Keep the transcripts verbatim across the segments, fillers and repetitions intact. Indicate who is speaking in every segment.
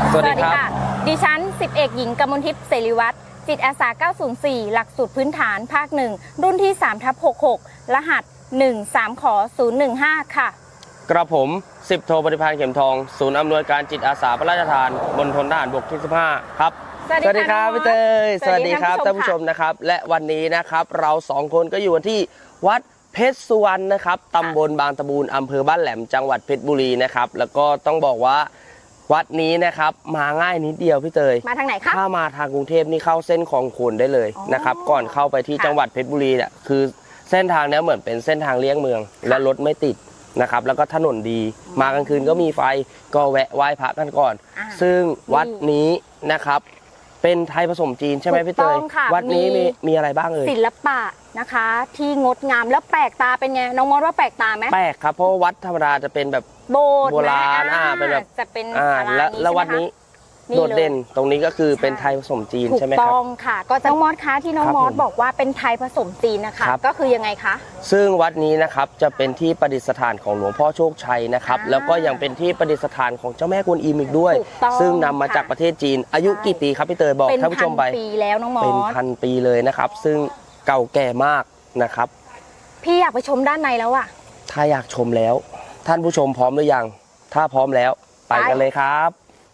Speaker 1: สวัสดีค่ะ
Speaker 2: ดิฉันสิบเอกหญิงกมลทิพย์เสรีวัฒน์จิตอาสาเก้าศูนย์สี่หลักสูตรพื้นฐานภาคหนึ่งรุ่นที่ สามทับหกสิบหก รหัส หนึ่ง สาม ขอ ศูนย์ หนึ่ง ห้า ค่ะ
Speaker 1: กระผมสิบโทปฏิภาณเข็มทองศูนย์อำนวยการจิตอาสาพระราชทานบนทนทหารบกที่สิบห้าครับ
Speaker 2: สวัสดีครับ
Speaker 1: พี่เตยสวัสดีครับท่านผู้ชมนะครับและวันนี้นะครับเราสองคนก็อยู่ที่วัดเพชรสุวรรณนะครับตำบลบางตะบูนอำเภอบ้านแหลมจังหวัดเพชรบุรีนะครับแล้วก็ต้องบอกว่าวัดนี้นะครับมาง่ายนิดเดียวพี่เตย
Speaker 2: มาทางไหนครับ
Speaker 1: ถ้ามาทางกรุงเทพนี่เข้าเส้นคลองโขนได้เลยนะครับก่อนเข้าไปที่จังหวัดเพชรบุรีเนี่ยคือเส้นทางนี้เหมือนเป็นเส้นทางเลี่ยงเมืองและรถไม่ติดนะครับแล้วก็ถนนดีมากลางคืนก็มีไฟก็แวะไหว้พระกันก่อนซึ่งวัดนี้นะครับเป็นไทยผสมจีนใช่ไหมพี่เตยวัดนี้มีมีอะไรบ้างเอ่ย
Speaker 2: ศิลปะนะคะที่งดงามแล้วแปลกตาเป็นไงน้องมอสว่าแปลกตาไหม
Speaker 1: แปลกครับเพราะวัดธรรมดาจะเป็นแบบ
Speaker 2: โบสถ์
Speaker 1: โบราณอ่าเป็นแบบ
Speaker 2: จะเป็น
Speaker 1: อ่าแล้วแล้ววัดนี้โดดเด่นตรงนี้ก็คือเป็นไทยผสมจีนใช่ไหมครับ
Speaker 2: ถูกต้องค่ะก็น้องมอสคะที่น้องมอสบอกว่าเป็นไทยผสมจีนนะคะก็คือยังไงคะ
Speaker 1: ซึ่งวัดนี้นะครับจะเป็นที่ประดิษฐานของหลวงพ่อโชคชัยนะครับแล้วก็ยังเป็นที่ประดิษฐานของเจ้าแม่กวนอิมอีกด้วยซึ่งนำมาจากประเทศจีนอายุกี่ปีครับพี่เตยบอกท่านผู้ชมไป
Speaker 2: เป็นพันปีแล้วน้องมอส
Speaker 1: เป็นพันปีเลยนะครับซึ่งเก่าแก่มากนะครับ
Speaker 2: พี่อยากไปชมด้านในแล้วอะ
Speaker 1: ถ้าอยากชมแล้วท่านผู้ชมพร้อมหรือยังถ้าพร้อมแล้วไปกันเลยครับ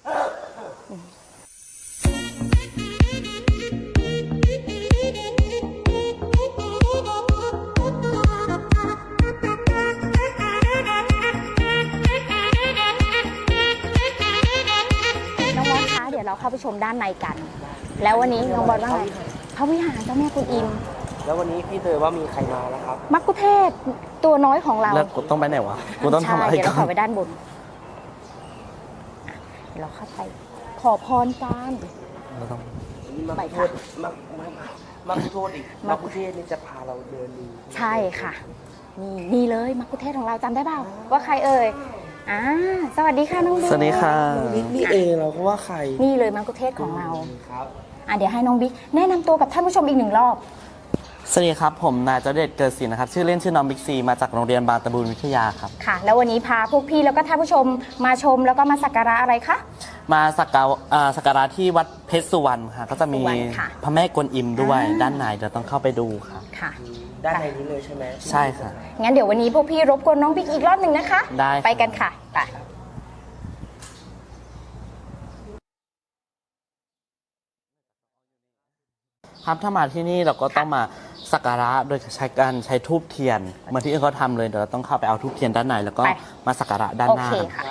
Speaker 2: เดี๋ยวเราเข้าไปชมด้านในกันแล้ววันนี้น้องบอลว่าไงพระวิหารเจ้าแม่กวนอิม
Speaker 1: แล้ววันนี้พี่เตยว่ามีใครมาแล้วครับ
Speaker 2: มักคุเทศตัวน้อยของเรา
Speaker 1: แล้วกูต้องไปไหนวะกูต้องทำอะไรกัน
Speaker 2: เดี๋ยวเราขอไปด้านบนเดี๋ยวเราเข้าไปขอพรกัน
Speaker 1: เราต้องไปค่ะมักมักคุโทษอีกมักคุเทศนี่จะพาเราเดินดู
Speaker 2: ใช่ค่ะนี่นี่เลยมักคุเทศของเราจำได้เปล่าว่าใครเอ่ยอ่าสวัสดีค่ะน้องบิ๊ก
Speaker 1: สวัสดีค่ะนี่เองเราก็ว่าใคร
Speaker 2: นี่เลยมังคุเทศของเราครับอ่าเดี๋ยวให้น้องบิ๊กแนะนำตัวกับท่านผู้ชมอีกหนึ่งรอบ
Speaker 3: สวัสดีครับผมนายเจเดชเกิดศิลป์นะครับชื่อเล่นชื่อน้องบิ๊กซีมาจากโรงเรียนบางตะบูนวิทยาครับ
Speaker 2: ค่ะแล้ววันนี้พาพวกพี่แล้วก็ท่านผู้ชมมาชมแล้วก็มาสักการะอะไรคะ
Speaker 3: มาสักการะสักการะที่วัดเพชรสุวรรณค่ะก็จะมีพระแม่กวนอิมด้วยด้านในเดี๋ยวต้องเข้าไปดูครับ
Speaker 2: ค่ะ
Speaker 1: ด้านในนี้เลยใช่ไหม
Speaker 3: ใช่ค่ะ
Speaker 2: งั้นเดี๋ยววันนี้พวกพี่รบกวนน้องบิ๊กอีกรอบหนึ่งนะคะ
Speaker 3: ได้
Speaker 2: ไปกันค่ะไป
Speaker 3: ครับถ้ามาที่นี่เราก็ต้องมาสักการะโดยใช้การใช้ธูปเทียนเหมือนที่อื่นเขาทำเลยเดี๋ยวเราต้องเข้าไปเอาธูปเทียนด้านในแล้วก็มาสักการะด้านหน้า
Speaker 2: โอเคค่ะ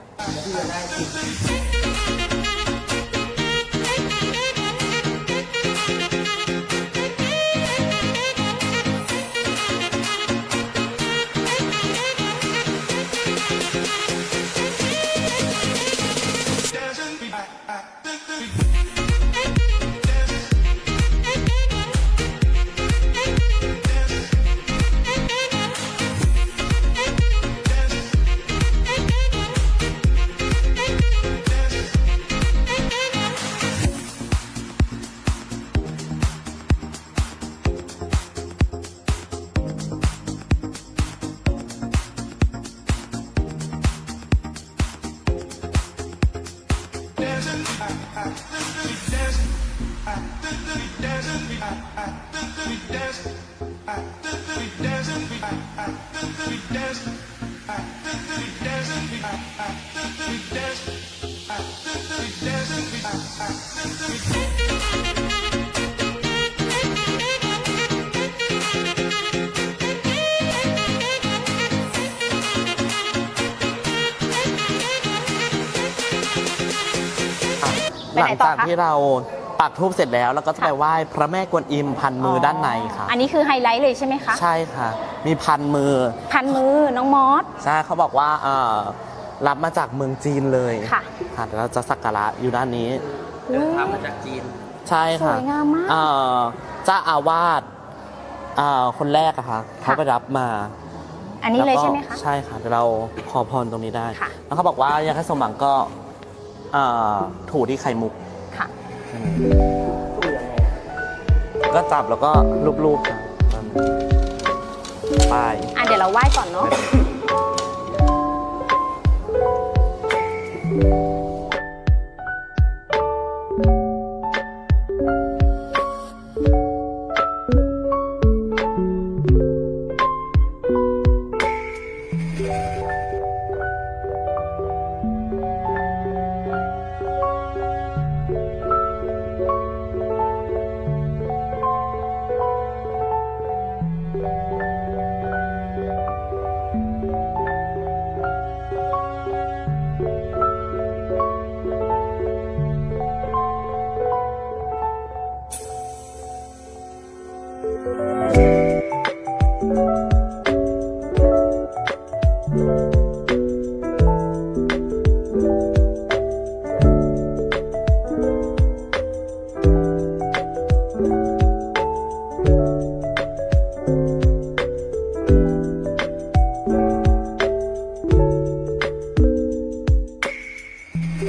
Speaker 3: หลังจากที่เราปักธูปเสร็จแล้วเราก็จะไปไหว้พระแม่กวนอิมพันมือด้านในค่ะ
Speaker 2: อันนี้คือไฮไลท์เลยใช่ไหมคะ
Speaker 3: ใช่ค่ะมีพันมือ
Speaker 2: พันมือน้องมอส
Speaker 3: ใช่เขาบอกว่ารับมาจากเมืองจีนเลย
Speaker 2: ค่ะ
Speaker 3: ค่ะเราจะสักการะอยู่ด้านนี้
Speaker 1: เดินทางมาจากจีน
Speaker 3: ใช่ค่ะ
Speaker 2: สวยงามมาก
Speaker 3: เจ้าอาวาสคนแรกอะค่ะเขาไปรับมา
Speaker 2: อันนี้เลยใช่ไหมคะ
Speaker 3: ใช่ค่ะเราขอพรตรงนี้ได้แล้วเขาบอกว่าอยากให้สมหวังก็ถูที่ไข่มุก
Speaker 2: ค่ะ
Speaker 3: ก็จับแล้วก็ลูบๆไป
Speaker 2: อ่ะเดี๋ยวเราไหว้ก่อนเนาะ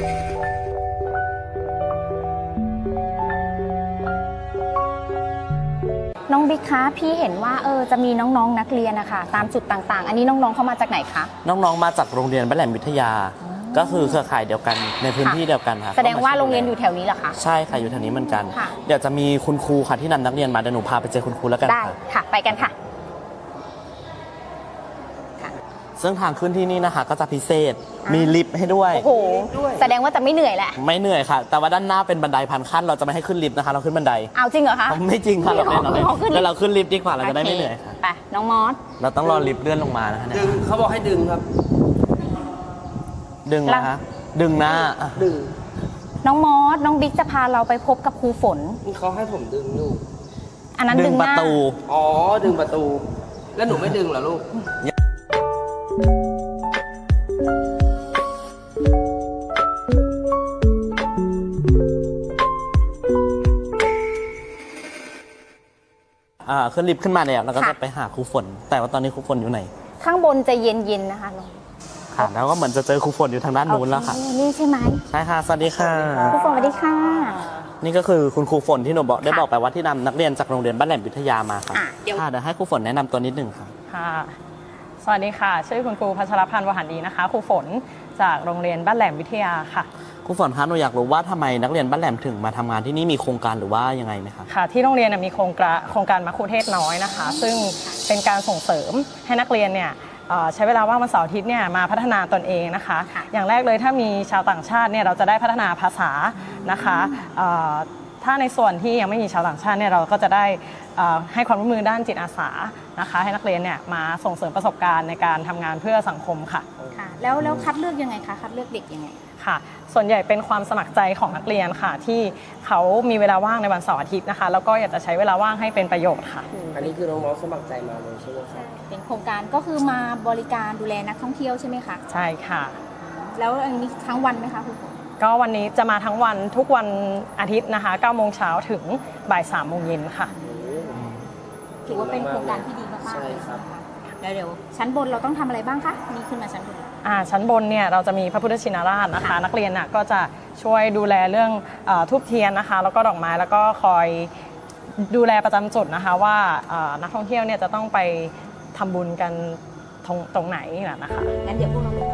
Speaker 2: น้องบิ๊กคะพี่เห็นว่าเออจะมีน้องๆนนักเรียนนะคะตามจุดต่างๆ อันนี้น้องๆเข้ามาจากไหนคะ
Speaker 3: น้องๆมาจากโรงเรียนบ้านแหลมวิทยา ก็คือเครือข่ายเดียวกันในพื้นที่เดียวกันค่ะ
Speaker 2: แสดงว่าโรงเรียนอยู่แถวนี้เหรอคะ
Speaker 3: ใช่ค่ะอยู่แถวนี้เหมือนกัน
Speaker 2: ค่ะ
Speaker 3: เดี๋ยวจะมีคุณครูค่ะที่นำนักเรียนมาเดี๋ยวหนูพาไปเจอคุณครูแล้วกัน
Speaker 2: ได้
Speaker 3: ค่ะ
Speaker 2: ค่ะไปกันค่ะ
Speaker 3: ซึ่งทางขึ้นที่นี่นะคะก็จะพิเศษมีลิฟต์ให้ด้วย
Speaker 2: โอ้โหแสดงว่าจะไม่เหนื่อยแหละ
Speaker 3: ไม่เหนื่อยค่ะ แต่ว่าด้านหน้าเป็นบันไดพันขั้นเราจะไม่ให้ขึ้นลิฟต์นะคะเราขึ้นบันได
Speaker 2: เอาจริงเหรอคะ
Speaker 3: ไม่จริงค่ะเราเล่นเราเล่น
Speaker 2: ขอขึ้นลิฟต์
Speaker 3: แล้วเราขึ้นลิฟต์ดีกว่าเราจะได้ไม่เหนื่อยค่ะ
Speaker 2: ไปน้องมอส
Speaker 3: เราต้องรอลิฟต์เลื่อนลงมานะคะเนี่ย
Speaker 1: ดึงเขาบอกให้ดึงครับ
Speaker 3: ดึงนะคะดึงหน้าอ่ะ
Speaker 1: ดึง
Speaker 2: น้องมอสน้องบิ๊กจะพาเราไปพบกับครูฝน
Speaker 1: นี่เขาให้ผมดึงอยู่
Speaker 2: อันนั้น
Speaker 3: ดึ
Speaker 2: ดึ
Speaker 3: ง
Speaker 2: ง
Speaker 3: ป
Speaker 2: ห
Speaker 3: ระ
Speaker 2: น้า
Speaker 3: ตู
Speaker 1: อ๋อดึงประตู แล้วหนูไม่ดึงเหรอลูก
Speaker 3: อ่าขึ้นลิฟต์ขึ้นมาเนี่ยเราก็จะไปหาครูฝน แต่ว่าตอนนี้ครูฝนอยู่ไหน
Speaker 2: ข้างบนจะเย็นๆนะคะน้อง
Speaker 3: ค่ะแล้วก็เหมือนจะเจอครูฝนอยู่ทางด้านนู้นแล้วค่ะ
Speaker 2: โอเนี่ใช่ไหม
Speaker 3: ใช่ค่ะสวัสดีค่ะ
Speaker 2: ครูฝนสวัสดีค่ะ
Speaker 3: นี่ก็คือคุณครูฝนที่หนูบอกได้บอกไปว่าที่นำนักเรียนจากโรงเรียนบ้านแหลมวิทยามาค่ะ
Speaker 2: อ่ะเดี๋ยว
Speaker 3: ค่ะเดี๋ยวให้ครูฝนแนะนำตัวนิดหนึ่งค่ะ
Speaker 4: ค่ะ สวัสดีค่ะ ชื่อคุณครูพัชรพันธ์วหันดีนะคะ ครูฝนจากโรงเรียนบ้านแหลมวิทยาค่ะ
Speaker 3: ครูฝนคะหนูอยากรู้ว่าทำไมนักเรียนบ้านแหลมถึงมาทำงานที่นี่มีโครงการหรือว่ายังไงไหมคะ
Speaker 4: ค่ะ ที่โรงเรียนน่ะมีโครงการโครงการมัคคุเทศน้อยนะคะ ซึ่งเป็นการส่งเสริมให้นักเรียนเนี่ยเอ่อใช้เวลาว่างวันเสาร์อาทิตย์เนี่ยมาพัฒนาตนเองนะคะ อย่างแรกเลยถ้ามีชาวต่างชาติเนี่ยเราจะได้พัฒนาภาษานะคะเอ่อถ้าในส่วนที่ยังไม่มีชาวต่างชาติเนี่ยเราก็จะได้เอ่อให้ความร่วมมือด้านจิตอาสานะคะ ให้นักเรียนเนี่ยมาส่งเสริมประสบการณ์ในการทำงานเพื่อสังคมค่ะ
Speaker 2: ค่ะ แล้วแล้วคัดเลือกยังไงคะ คัดเลือกเด็กยังไง
Speaker 4: ค่ะ ส่วนใหญ่เป็นความสมัครใจของนักเรียนค่ะ ที่เขามีเวลาว่างในวันเสาร์อาทิตย์นะคะ แล้วก็อยากจะใช้เวลาว่างให้เป็นประโยชน์ค่ะ
Speaker 1: อันนี้คือน้องๆสมัครใจมาเลยใช่ไหมครับ
Speaker 2: เป็นโครงการก็คือมาบริการดูแลนักท่องเที่ยวใช่ไหมคะ
Speaker 4: ใช่ค่ะ
Speaker 2: แล้วอันนี้ทั้งวันไหมคะครูฝน
Speaker 4: ก็วันนี้จะมาทั้งวันทุกวันอาทิตย์นะคะเก้าโมงเช้าถึงบ่ายสามโมงเย็นค่ะ
Speaker 2: ถือว่าเป็นโครงการที่ดีมากๆเลยใช่ไหมคะแล้วเดี๋ยวชั้นบนเราต้องทำอะไรบ้างคะนี่ขึ้นมาชั้นบน
Speaker 4: อ่าชั้นบนเนี่ยเราจะมีพระพุทธชินราชนะคะ นักเรียนน่ะก็จะช่วยดูแลเรื่องเออทูบเทียนนะคะ แล้วก็ดอกไม้แล้วก็คอยดูแลประจำจุดนะคะว่าเอ่อนักท่องเที่ยวเนี่ยจะต้องไปทำบุญกันตรงตรงไหนน่ะนะคะ
Speaker 2: งั้นเดี๋ยวพวกเราไป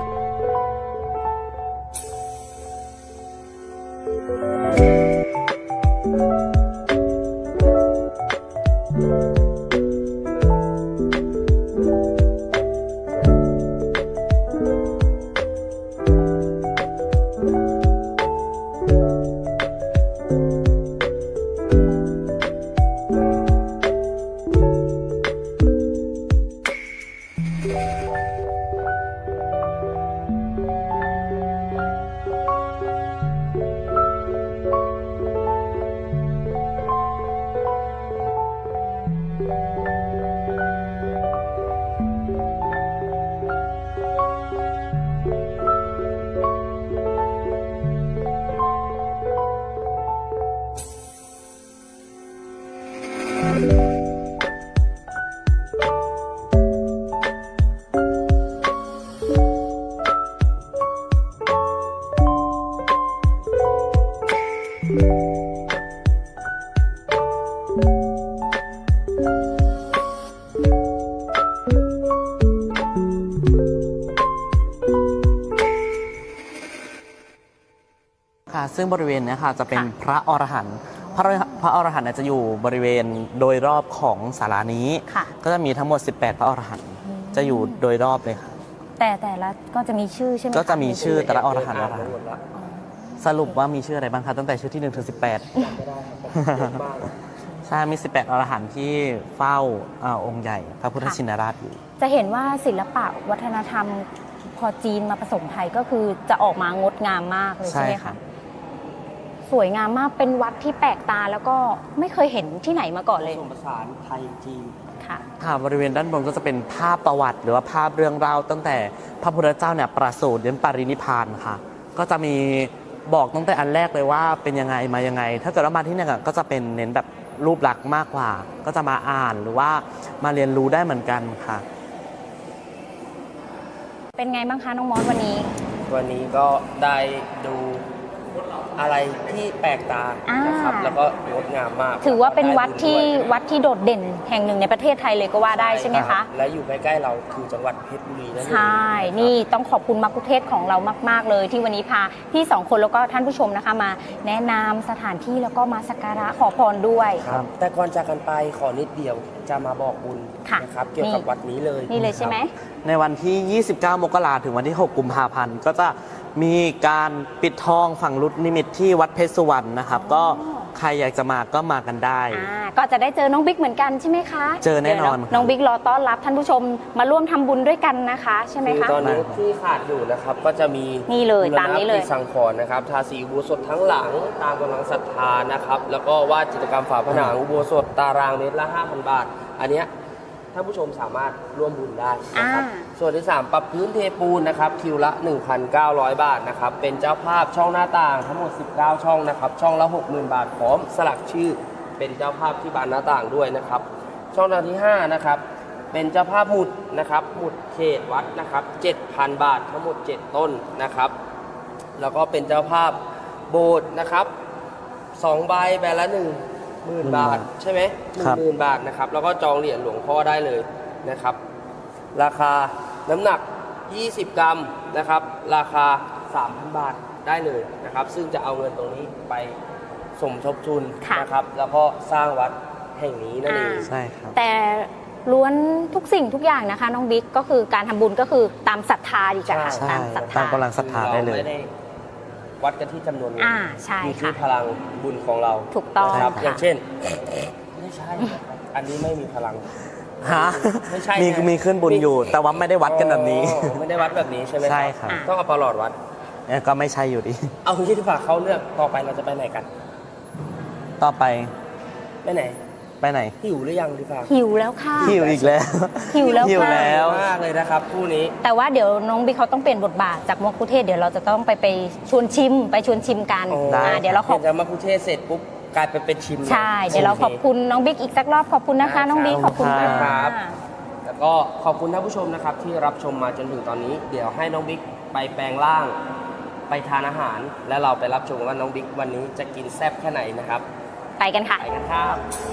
Speaker 3: ค่ะซึ่งบริเวณเนี้ยค่ะจะเป็น
Speaker 2: ค่ะ
Speaker 3: พระอรหันต์พระพระอรหันต์เนี่ยจะอยู่บริเวณโดยรอบของศาลานี้
Speaker 2: ค่ะ
Speaker 3: ก็จะมีทั้งหมด สิบแปด พระอรหันต์จะอยู่โดยรอบเลยค่ะ
Speaker 2: แต่แต่ละก็จะมีชื่อใช่ไหมค
Speaker 3: ก็จะมีชื่อแต่ละอรหันต์อรหัน
Speaker 1: หม
Speaker 3: ต์
Speaker 1: ดละ
Speaker 3: สรุปว่ามีชื่ออะไรบ้างคะตั้งแต่ชื่อที่หนึ่งถึงสิบแปด
Speaker 1: ไม่ได้ครับเยอะมาก
Speaker 3: ใช่มี สิบแปด อรหันต์ที่เฝ้าอ่าองค์ใหญ่พระพุทธชินราชอยู่
Speaker 2: จะเห็นว่าศิลปะวัฒนธรรมพอจีนมาผสมไทยก็คือจะออกมางดงามมากเลยใช่ไหม
Speaker 3: ใช่ครั
Speaker 2: คะ
Speaker 3: บ
Speaker 2: สวยงามมากเป็นวัดที่แปลกตาแล้วก็ไม่เคยเห็นที่ไหนมาก่อน
Speaker 1: ผ
Speaker 2: เลย
Speaker 1: สมผสานไทยจีน
Speaker 2: ค่ะ
Speaker 3: ค่ะบริเวณด้านบนก็จะเป็นภาพประวัติ หรือว่าภาพเรื่องราวตั้งแต่พระพุทธเจ้าเนี่ยประสูติเดินปรินิพพานค่ะ ก็จะมีบอกตั้งแต่อันแรกเลยว่าเป็นยังไงมายังไง ถ้าเกิดว่ามาที่เนี่ยก็จะเป็นเน้นแบบรูปลักษณ์มากกว่า ก็จะมาอ่านหรือว่ามาเรียนรู้ได้เหมือนกันค่ะ
Speaker 2: เป็นไงบ้างคะน้องมอสวันนี้
Speaker 1: กวันนี้ก็ได้ดูอะไรที่แปลกตา
Speaker 2: อ่าน
Speaker 1: นะครับ แล้วก็งดงามมาก
Speaker 2: ถือว่าเป็นวัดที่
Speaker 1: ไบุญ
Speaker 2: วัดที่โดดเด่นแห่งหนึ่งในประเทศไทยเลยก็ว่า
Speaker 1: ด้วย
Speaker 2: ได้ใช่ไหมคะ
Speaker 1: และอยู่ใกล้ๆเราคือจังหวัดเพชรบุรีนั่นเอง
Speaker 2: ใช่ นี่ต้องขอบคุณมักคุเทศก์ของเรามาก ๆ เลย ที่วันนี้พาพี่สองคนแล้วก็ท่านผู้ชมนะคะมา แนะนำสถานที่แล้วก็มาสักการะขอพรด้วย
Speaker 1: ครับ แต่ก่อนจากกันไปขอนิดเดียวจะมาบอกบุญ
Speaker 2: ค่ะ
Speaker 1: นะครับ เกี่ยวกับ
Speaker 2: นี่
Speaker 1: วัดนี้เลย
Speaker 2: นี่เลยใช่ไหม
Speaker 3: ในวันที่ ยี่สิบเก้า มกราถึงวันที่ หก กุมภาพันธ์ ก็จะมีการปิดทองฝั่งรุดนิมิตที่วัดเพชรสุวรรณนะครับ ก็ใครอยากจะมาก็มากันได้
Speaker 2: อ่าก็จะได้เจอน้องบิ๊กเหมือนกันใช่ไหมคะ
Speaker 3: เจอแน่นอน
Speaker 2: ดี๋ยว
Speaker 3: ครับ
Speaker 2: น้องบิ๊กรอต้อนรับท่านผู้ชมมาร่วมทำบุญด้วยกันนะคะใช่ไหม
Speaker 1: คือ
Speaker 2: คะ
Speaker 1: ตอนนี้ที่ขาดอยู่นะครับก็จะมี
Speaker 2: นี่เลย
Speaker 1: บูรณะ
Speaker 2: ตามนี้เลย
Speaker 1: ปฏิสังขรณ์นะครับ ทาสีอุโบสถทั้งหลังตามกำลังศรัทธานะครับ แล้วก็วาดจิตรกรรมฝาผนังอุโบสถตารางเมตรละ ห้าพัน บาท อันเนี้ยท่านผู้ชมสามารถร่วมบุญได้นะครับ
Speaker 2: อ่า
Speaker 1: ส่วนที่ สาม ปรับพื้นเทปูนนะครับคิวละ หนึ่งพันเก้าร้อย บาทนะครับ เป็นเจ้าภาพช่องหน้าต่างทั้งหมด สิบเก้า ช่องนะครับ ช่องละ หกหมื่น บาทพร้อมสลักชื่อเป็นเจ้าภาพที่บานหน้าต่างด้วยนะครับ ช่องทางที่ ห้า นะครับ เป็นเจ้าภาพหมุดนะครับหมุดเขตวัดนะครับ เจ็ดพัน บาททั้งหมด เจ็ด ต้นนะครับ แล้วก็เป็นเจ้าภาพโบสถ์นะครับสองใบใบละหนึ่งหมื่นบาทใช่ไหมหนึ่
Speaker 3: ครั
Speaker 1: ง
Speaker 3: บ
Speaker 1: หมื่นบาทนะครับ แล้วก็จองเหรียญหลวงพ่อได้เลยนะครับ ราคาน้ำหนัก ยี่สิบ กรัมนะครับ ราคา สามพัน บาทได้เลยนะครับ ซึ่งจะเอาเงินตรงนี้ไปสมทบทุน
Speaker 2: ค่ะ
Speaker 1: นะครับ แล้วก็สร้างวัดแห่งนี้นั่นเอง
Speaker 3: ใช่ครับ
Speaker 2: แต่ล้วนทุกสิ่งทุกอย่างนะคะน้องบิ๊กก็คือการทำบุญก็คือตามศรัทธาดีกว่า
Speaker 3: ใช่
Speaker 2: ตามศรัท
Speaker 3: ตา
Speaker 2: ธาม
Speaker 3: กำลังศรัทธาได้เลย
Speaker 1: รไม่ได้วัดกันที่จำนวนเงิน
Speaker 2: อ่าใช่
Speaker 1: อยู่ที่
Speaker 2: ค่ะ
Speaker 1: พลังบุญของเรา
Speaker 2: ถูกต้อง
Speaker 1: นะครับ
Speaker 2: ค่ะ
Speaker 1: อย่างเช่น ไม่ใช่นะครับอันนี้ไม่มีพลัง
Speaker 3: ฮะ
Speaker 1: ไม่ใช่
Speaker 3: มี
Speaker 1: นะ
Speaker 3: มีขึ้นบุญอยู่ แต่ว่าไม่ได้วัดกันแบบนี้
Speaker 1: อ๋อไม่ได้วัดแบบนี้ใช่ไหม
Speaker 3: ใช่ครับ
Speaker 1: ต้องเอาประหลอดวัด
Speaker 3: เนี่ยก็ไม่ใช่อยู่ดี
Speaker 1: เอาที่ที่ฝากเขาเลือกต่อไปเราจะไปไหนกัน
Speaker 3: ต่อไป
Speaker 1: ไปไหน
Speaker 3: ไปไหน
Speaker 1: หิวหรือยังที่ฝาก
Speaker 2: หิวแล้วค่ะ
Speaker 3: หิวอีกแล้ว
Speaker 2: หิวแล้ว
Speaker 3: หิว
Speaker 2: ค่ะ
Speaker 3: แล้ว
Speaker 1: มากเลยนะครับคู่นี้
Speaker 2: แต่ว่าเดี๋ยวน้องบิ๊กเขาต้องเปลี่ยนบทบาทจากมะคุเทศก์เดี๋ยวเราจะต้องไปไปชวนชิม ไปชวนชิมกัน
Speaker 1: โอ้
Speaker 3: ได้
Speaker 2: อ่าเดี๋ยวเราขอบ
Speaker 1: ห็นจะมาคุเทศเสร็จปุ๊บกลายไปเป็นชิมเลย
Speaker 2: ใช่ เดี๋ยวเราขอบคุณน้องบิ๊กอีกสักรอบขอบคุณนะคะ น้องบิ๊กขอบคุณ
Speaker 3: ครั
Speaker 2: ค่ะ
Speaker 3: บ
Speaker 1: แล้วก็ขอบคุณท่านผู้ชมนะครับที่รับชมมาจนถึงตอนนี้ เดี๋ยวให้น้องบิ๊กไปแปลงร่าง ไปทานอาหาร และเราไปรับชมว่าน้องบิ๊กวันนี้จะกินแซ่บแค่ไหนนะครับ
Speaker 2: ไปกันค่ะ
Speaker 1: ไปกันครับ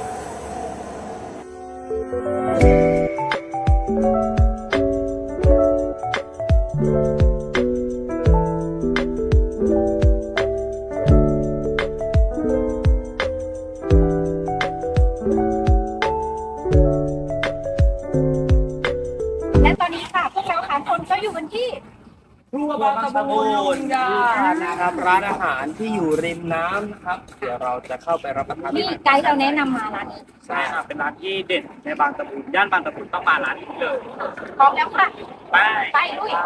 Speaker 2: และตอนนี้ค่ะพวกเราสามคนก็อยู่กันที่
Speaker 1: ครัวบางตะบูนยานะครับร้านอาหารที่อยู่ริมน้ำนะครับ เดี๋ยวเราจะเข้าไปรับประทานอา
Speaker 2: ที่
Speaker 1: หาร
Speaker 2: ไกด์เราแนะนำมาร้านนี้
Speaker 5: ใช่ครับเป็นร้านที่เด่นในบางตะบูนย่านบางตะบูนต้องมาร้านนี้เลย
Speaker 2: พร้อมแล้วค่ะ
Speaker 5: ไป
Speaker 2: ไปลุย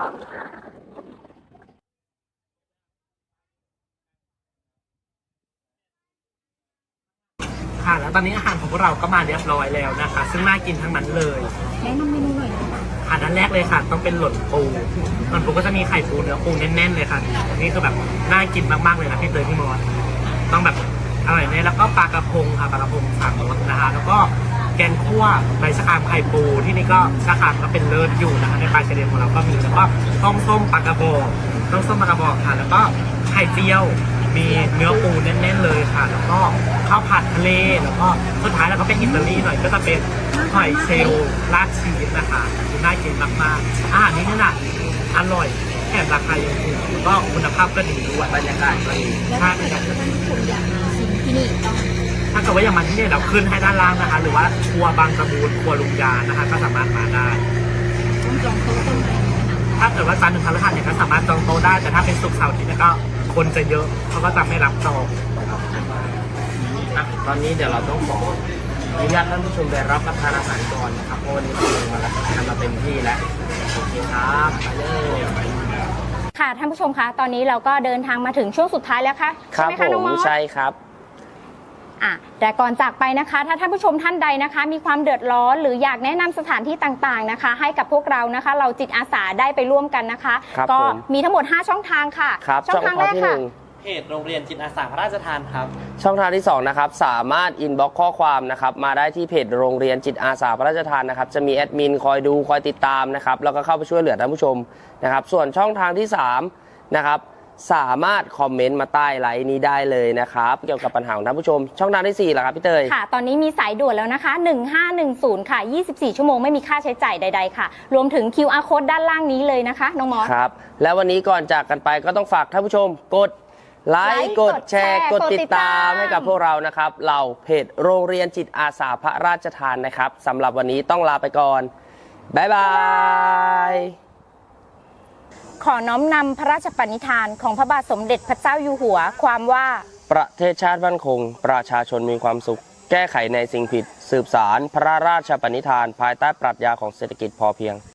Speaker 5: ค่ะแล้วตอนนี้อาหารของพวกเราก็มาเรียบร้อยแล้วนะคะ ซึ่งน่ากินทั้งนั้นเลย
Speaker 2: แนะนำเมนูหน่อยนะคะ
Speaker 5: อันนั้นแรกเลยค่ะ ต้องเป็นหล่นปูหล่นปูก็จะมีไข่ปูเนื้อปูแน่นๆเลยค่ะนี่คือแบบน่ากินมากๆเลยนะพี่เตยพี่มอสต้องแบบอร่อยเลยแล้วก็ปลากระพงค่ะปลากระพงสามรสนะคะ แล้วก็แกงคั่วใบชะครามไข่ปูที่นี่ก็ชะครามก็เป็นเลิศอยู่นะคะในปลาเฉลี่ยของเราก็มีแล้วก็ต้มส้มปลากระบอกต้มส้มปลากระบอกค่ะ แล้วก็ไข่เจียว มีเนื้อปูแน่นๆเลยค่ะ แล้วก็ข้าวผัดทะเล แล้วก็สุดท้ายแล้วก็เป็นอิตาลีหน่อยก็จะเป็นหอยเชลล์ราดชีสนะคะคือน่ากินมากๆอาหารนี้นี่นะอร่อยแถมราคายังถูกแล้วก็คุณภาพก็ดีด้วยบรรยากาศก็ดีใช่ครับถ้าเกิดว่าอยากมาที่นี่เราขึ้นให้ด้านล่างนะคะ หรือว่าครัวบางตะบูนครัวลุงยานะคะ ก็สามารถมาได้ถ้าเกิดว่าจันทร์ถึงพฤหัสเนี่ยก็สามารถจองโต๊ะได้ แต่ถ้าเป็นศุกร์เสาร์อาทิตย์เนี่ยก็คนจะเยอะเขาก็จะไม่รับจอง
Speaker 1: อ่ะตอนนี้เดี๋ยวเราต้องขออนุญาตท่านผู้ชมไปรับประทานอาหารก่อนนะครับเพราะวันนี้เรามารับประทานมาเต็มที่แล้วโอเคครับไปเลย
Speaker 2: ค่ะท่านผู้ชมคะตอนนี้เราก็เดินทางมาถึงช่วงสุดท้ายแล้วค่ะ
Speaker 1: ครั
Speaker 2: ใช่
Speaker 1: บ
Speaker 2: ไหม
Speaker 1: ผ
Speaker 2: คะน้อง
Speaker 1: ม
Speaker 2: มอส
Speaker 1: ใช่ครับ
Speaker 2: อ่ะแต่ก่อนจากไปนะคะ ถ้าท่านผู้ชมท่านใดนะคะ มีความเดือดร้อนหรืออยากแนะนำสถานที่ต่างๆนะคะ ให้กับพวกเรานะคะ เราจิตอาสาได้ไปร่วมกันนะคะ
Speaker 1: ครับ
Speaker 2: ก็
Speaker 1: ผม
Speaker 2: มีทั้งหมดห้าช่องทางค่ะ
Speaker 1: ครับ
Speaker 2: ช่องทางแรก
Speaker 1: ที่ห
Speaker 2: ค่ะ
Speaker 1: นึ่ง
Speaker 3: เพจโรงเรียนจิตอาสาพระราชทานครับ
Speaker 1: ช่องทางที่สองนะครับสามารถอินบ็อกข้อความนะครับมาได้ที่เพจโรงเรียนจิตอาสาพระราชทานนะครับจะมีแอดมินคอยดูคอยติดตามนะครับแล้วก็เข้าไปช่วยเหลือท่านผู้ชมนะครับส่วนช่องทางที่สามนะครับสามารถคอมเมนต์มาใต้ไลน์นี้ได้เลยนะครับเกี่ยวกับปัญหาของท่านผู้ชมช่องทางที่สี่ล่ะครับพี่เตย
Speaker 2: ค่ะ ตอนนี้มีสายด่วนแล้วนะคะหนึ่งห้าหนึ่งศูนย์ค่ะยี่สิบสี่ชั่วโมงไม่มีค่าใช้จ่ายใดๆค่ะรวมถึง คิว อาร์ Code ด้านล่างนี้เลยนะคะน้องมอส
Speaker 1: ครับแล้ววันนี้ก่อนจากกันไปก็ต้องฝากท่านผู้ชมกดไล
Speaker 2: ไลค์
Speaker 1: ค์กดแชร์
Speaker 2: ก
Speaker 1: ก
Speaker 2: ด
Speaker 1: ด
Speaker 2: ติ
Speaker 1: ติ
Speaker 2: ด
Speaker 1: ด
Speaker 2: ตา
Speaker 1: ตาม มให้กับพวกเรานะครับเราเพจโรงเรียนจิตอาสาพระราชทานนะครับสำหรับวันนี้ต้องลาไปก่อนบ๊ายบาย
Speaker 2: ขอน้อมนำพระราชปณิธานของพระบาทสมเด็จพระเจ้าอยู่หัวความว่า
Speaker 1: ประเทศชาติมั่นคง ประชาชนมีความสุข แก้ไขในสิ่งผิด สืบสารพระราชปณิธาน ภายใต้ปรัชญาของเศรษฐกิจพอเพียง